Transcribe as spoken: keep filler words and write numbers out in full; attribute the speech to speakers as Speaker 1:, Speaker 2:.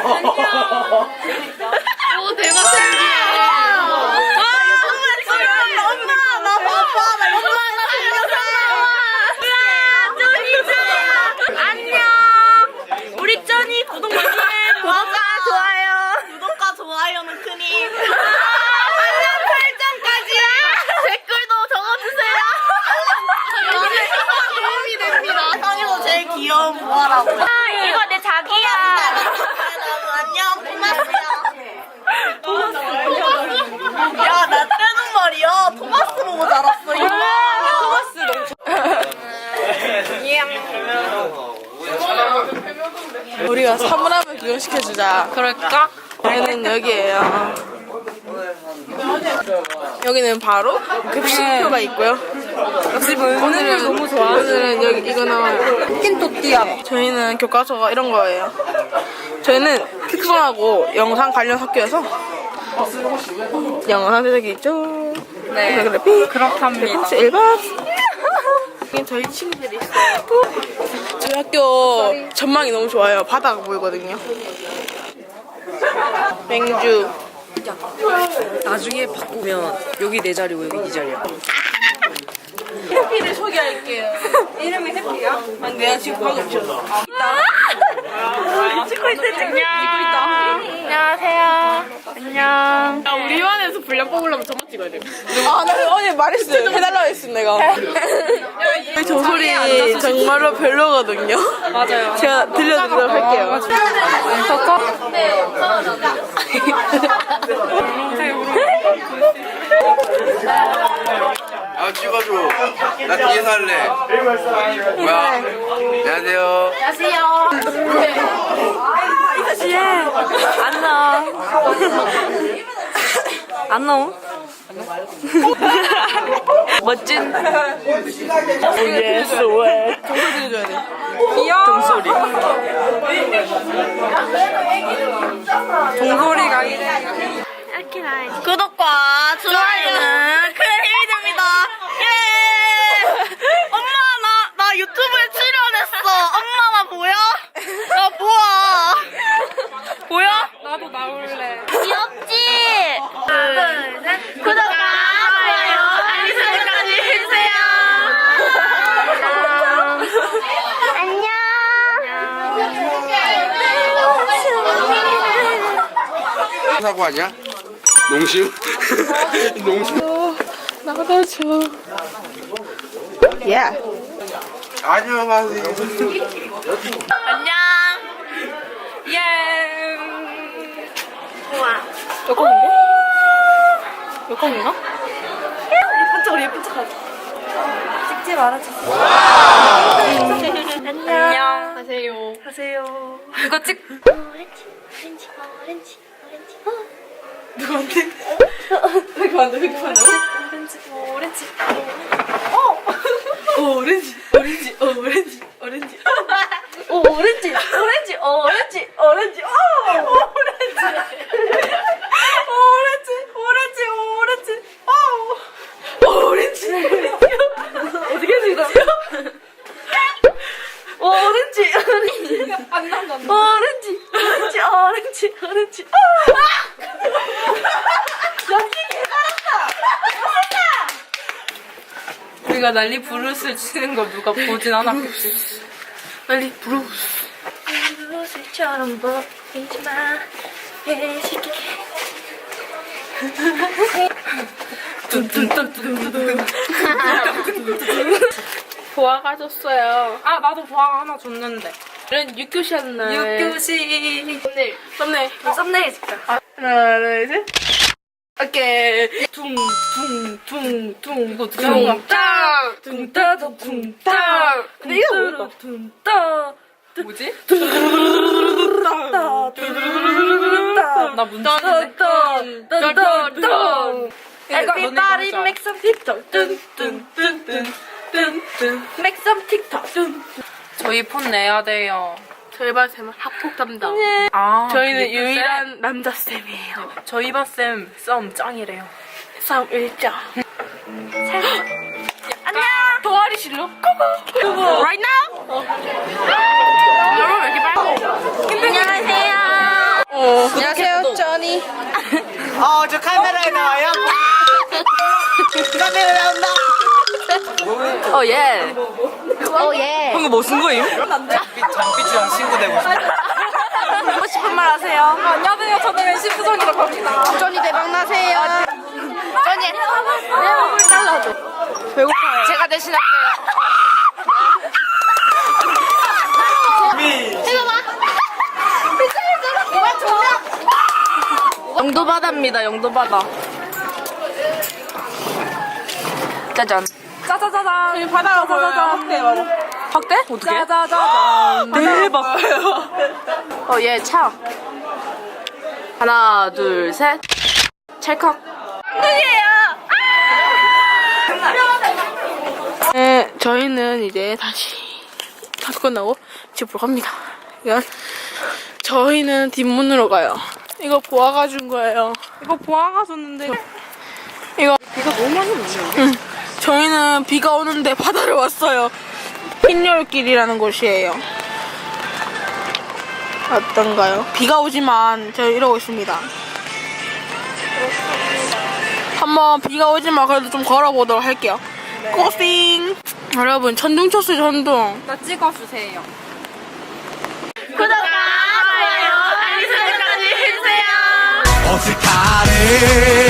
Speaker 1: 오 대박 신기해.
Speaker 2: 구독과 좋아요는 크니.
Speaker 1: 알람 설정까지요. 댓글도 적어주세요. 도움이 됩니다.
Speaker 2: 형이도 제일 귀여운 뭐하라고요?
Speaker 1: 아, 이거 내 자기야.
Speaker 2: 안녕, 토마스야. 야, 나 뜨는 말이야. 토마스 보고 자랐어. 이거.
Speaker 1: 토마스 너무
Speaker 3: 우리가 사물함을 구경시켜주자.
Speaker 1: 그럴까?
Speaker 3: 여기는 여기예요. 여기는 바로 급식표가 있고요. 오늘은 너무 좋아. 오늘은 여기 이거 나와요.
Speaker 1: 킨토띠아.
Speaker 3: 저희는 교과서가 이런 거예요. 저희는 특성하고 영상 관련 학교여서 영상 제작이 있죠.
Speaker 1: 네.
Speaker 3: 그래픽,
Speaker 1: 그렇답니다.
Speaker 3: 혹시 일반 여기 저희 친구들이 있어요. 저희 학교 전망이 너무 좋아요. 바다가 보이거든요. 맹주.
Speaker 4: 나중에 바꾸면 여기 내 자리고 여기 네 자리야.
Speaker 3: 해피를 소개할게요. 이름이 해피야? 아니 내가 지금 방금 줬어.
Speaker 1: 찍고 있다, 찍고 있다. 안녕하세요. 안녕.
Speaker 3: 야, 우리 반에서 분량 뽑으려면 저만 찍어야 돼. 아, 나 어제 말했어요. 해달라고 했어, 내가. 저 소리 정말로 별로거든요.
Speaker 1: 맞아요.
Speaker 3: 제가 들려드리도록 할게요.
Speaker 5: 아 찍어줘. 나 뒤에서 할래. 뭐야? 안녕하세요.
Speaker 1: 안 나와. 안 나와? 멋진.
Speaker 3: 예스, 왜? 정소 들려줘야 돼.
Speaker 1: 귀여워.
Speaker 3: 종소리.
Speaker 1: 종소리가
Speaker 2: 구독과 좋아요는 큰 힘이 됩니다. 예! 엄마, 나, 나 유튜브에 출연했어. 엄마, 나 보여? 나 보아. 보여?
Speaker 1: 나도 나올래.
Speaker 2: 귀엽지? 둘, 셋. 구독과 좋아요, 알림 설정까지 해주세요. 안녕.
Speaker 5: 사고 아니야? 농심? 농심?
Speaker 3: 나가다줘. 예.
Speaker 5: 안녕하세요.
Speaker 2: 안녕.
Speaker 1: 예.
Speaker 2: 우와.
Speaker 3: 여권인데? 여권인가?
Speaker 2: 예쁜 척, 예쁜 척 하자. 찍지 말아주세요. 안녕.
Speaker 1: 안녕.
Speaker 3: 하세요.
Speaker 2: 하세요.
Speaker 1: 이거 찍.
Speaker 2: 오렌지, 오렌지, 오렌지, 오렌지.
Speaker 3: 누구한테? 왜 그만둬, 왜 그만둬?
Speaker 2: 오렌지, 오렌지.
Speaker 3: 오, 오렌지, 오렌지, 오, 오렌지, 오렌지.
Speaker 2: 오, 오렌지, 오렌지, 오렌지, 오렌지. 오, 오렌지. 오렌지, 오렌지, 오렌지. 오, 오렌지. 어떻게 해서 이거? 오렌지, 오렌지.
Speaker 1: 안 나온다.
Speaker 2: 오렌지, 오렌지, 오렌지, 오렌지. 연기 개잘한다.
Speaker 1: 우리가 난리 부르스 치는 거 누가 보진 않았겠지.
Speaker 3: 빨리 브루스.
Speaker 2: 무엇을처럼 보이지 마. 해시기.
Speaker 3: 보아가 줬어요.
Speaker 1: 아 나도 보아가 하나 줬는데.
Speaker 3: 이런 육교시였나요?
Speaker 1: 육교시.
Speaker 3: 썸네일. 썸네일.
Speaker 2: 썸네일 찍자.
Speaker 3: 하나, 둘, 셋. 오케이.
Speaker 1: 둥둥둥둥 이거 어떻게
Speaker 3: 둥,
Speaker 1: 하는 거야? 둥따 둥따.
Speaker 3: 근데 이거 모르겠다.
Speaker 1: 둥따. 뭐지? 나 문제
Speaker 3: 딴딴딴딴.
Speaker 2: Everybody make some TikTok. 뚠뚠뚠뚠뚠뚠. Make some TikTok.
Speaker 1: 저희 폰 내야 돼요.
Speaker 3: 저희 반쌤은 학폭 담당.
Speaker 1: 아
Speaker 3: 저희는
Speaker 1: 그게 또
Speaker 3: 유일한 남자쌤이에요.
Speaker 1: 쌤? 저희 반쌤 썸 짱이래요.
Speaker 3: 싸움 일장.
Speaker 2: 안녕.
Speaker 3: 동아리 실로? 고고. Right now? 여러분 왜 이렇게 빨리?
Speaker 2: 안녕하세요.
Speaker 3: 안녕하세요, 쩌니.
Speaker 6: 어, 저 카메라에 나와요? 카메라 나온다.
Speaker 4: 어, 예.
Speaker 2: 어, 예.
Speaker 4: 방금 뭐 쓴 거임?
Speaker 6: 장삐치랑 친구 되고 싶어.
Speaker 3: 하고 싶은 말 하세요. 안녕하세요. 저는 왼시 수정이라고 합니다. 쩌니 대박 나세요.
Speaker 2: 쩌니. 내 얼굴 잘라줘.
Speaker 3: 배고파요.
Speaker 2: 제가 대신할게요.
Speaker 3: 영도바다입니다. 영도바다.
Speaker 4: 짜잔.
Speaker 3: 짜자자잔. 여기 바다가 보여요. 확대 바로.
Speaker 4: 확대? 어떻게?
Speaker 3: 짜자자잔.
Speaker 4: 대박.
Speaker 3: 어, 얘 차.
Speaker 4: 하나, 둘, 셋. 찰칵.
Speaker 3: 네, 저희는 이제 다시 다섯 끝나고 집으로 갑니다. 이건 저희는 뒷문으로 가요. 이거 보아가 준 거예요. 이거 보아가 줬는데 이거 비가 너무 많이 오네요. 응. 저희는 비가 오는데 바다를 왔어요. 흰열길이라는 곳이에요. 어떤가요? 비가 오지만 저희 이러고 있습니다. 한번 비가 오지만 그래도 좀 걸어보도록 할게요. 고싱! 여러분, 천둥 쳤어요, 천둥.
Speaker 1: 나 찍어주세요.
Speaker 2: 구독과 좋아요, 알림 설정까지 해주세요.
Speaker 6: 어색하네.